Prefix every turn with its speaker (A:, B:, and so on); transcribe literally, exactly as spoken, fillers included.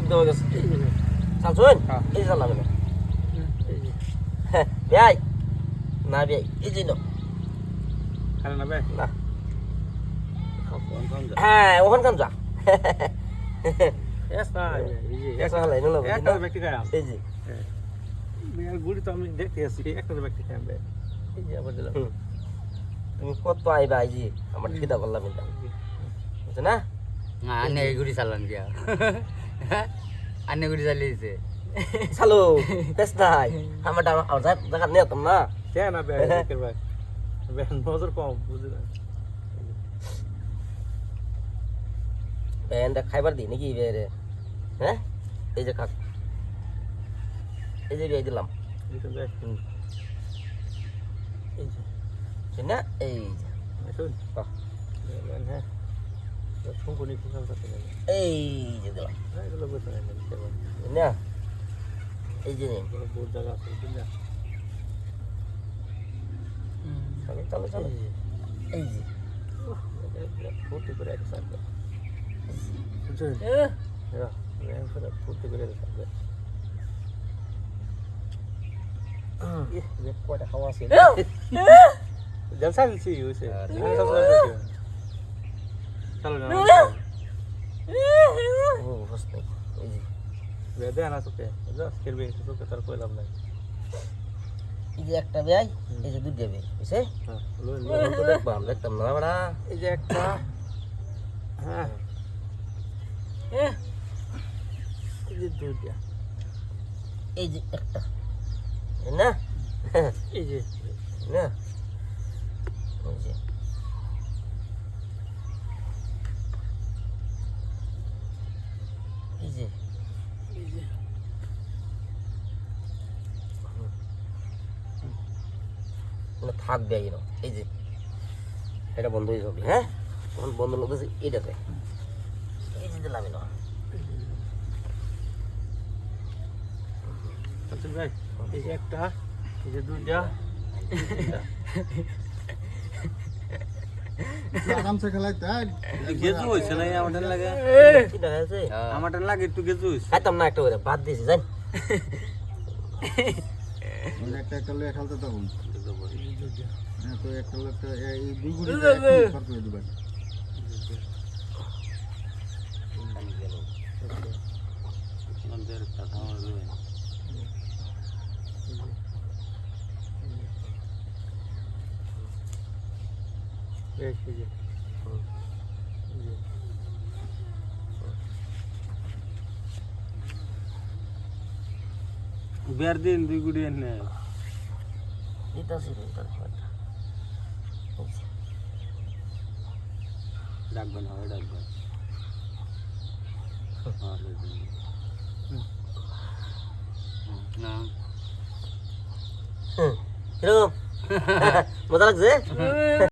A: দেওয়া গেছে চালছুন এই চালাবে না ভাই না ভাই এই যে
B: খানা না ভাই
A: না হ্যাঁ ওখান কান যা
B: এসা এই যে
A: এসা হলাই না
B: একটা ব্যক্তি খায়
A: এই যে
B: মেয়ের গুড়ি তো আমি দেখতে আসি একটা ব্যক্তি খায় ভাই এই যে আবার দিলাম
A: তুমি কত আইবা এই যে আমার খিদা করলাম এটা বুঝছো না
C: না আনে গুড়ি চালান গিয়া আনে গুড়ি চালিয়েছে
A: চালো বেশ নাই আমার আমার জায়গা নিয়ে যেতাম না
B: কেন না ভাই দেখের ভাই ভাই নজর কম বুঝলি না
A: ব্যান্ডটা খাইবার দিই নাকি রে হ্যাঁ এই যে কাক এই যে বিয়ে দিলাম
B: দেখুন ভাই এই যে
A: শুন না এই যে
B: শুন হ্যাঁ শুনকুনি কুকাল করতে যাবে
A: এই যে দিলাম
B: এগুলো বসে নেই
A: শুন না এই যে নিন
B: বহুত জায়গা আছে বুঝলি না
A: চলো চলো চলো এই যে
B: ফুর্তি করে এক সাথে বুঝছেন হ্যাঁ করে ফুর্তি করে এক সাথে
A: ये कोटा खावा से
B: जलसा दिलसी उसे चलो ना
A: ओ बस नहीं এই যে
B: বেদে আনা সুকে যা করবে সুকে তার কই লাভ নাই
A: এই যে একটা ভাই এই যে দুধ দেবে বুঝছে
B: হ্যাঁ লই
A: লোন তো দেখবা আমরা দেখতাম না বড়া
B: এই যে একটা হ্যাঁ এই যে দুইটা
A: এই যে একটা না
B: এই যে
A: না এই যে এই যে
B: এই যে
A: না থাকবে এই না এই যে এটা বন্ধ হয়ে যাবে হ্যাঁ তখন বন্ধ লাগতেছে এটাতে এই যে দিলাম না
B: আচ্ছা ভাই এই যে একটা এই যে দুইটা
D: আরামসে খেলাই তাই
B: গেজু হইছে না আমাদের লাগে
A: এটা আছে
B: আমাদের লাগে একটু গেজু হইছে
A: খাইতাম না একটা করে বাদ দিয়েছি জান
D: একটা একটা লয়ে খেলতে তখন হ্যাঁ তো একটা একটা এই দুই গুড়ি খরচ করে দিবেন
B: আমাদের কথা হবে এই যে বিয়ার দিন দুই গুড়ি এনে
A: এটা আছে এটা
B: ডাকবেন হয় ডাকবেন
C: না
A: কিরকম মজা লাগছে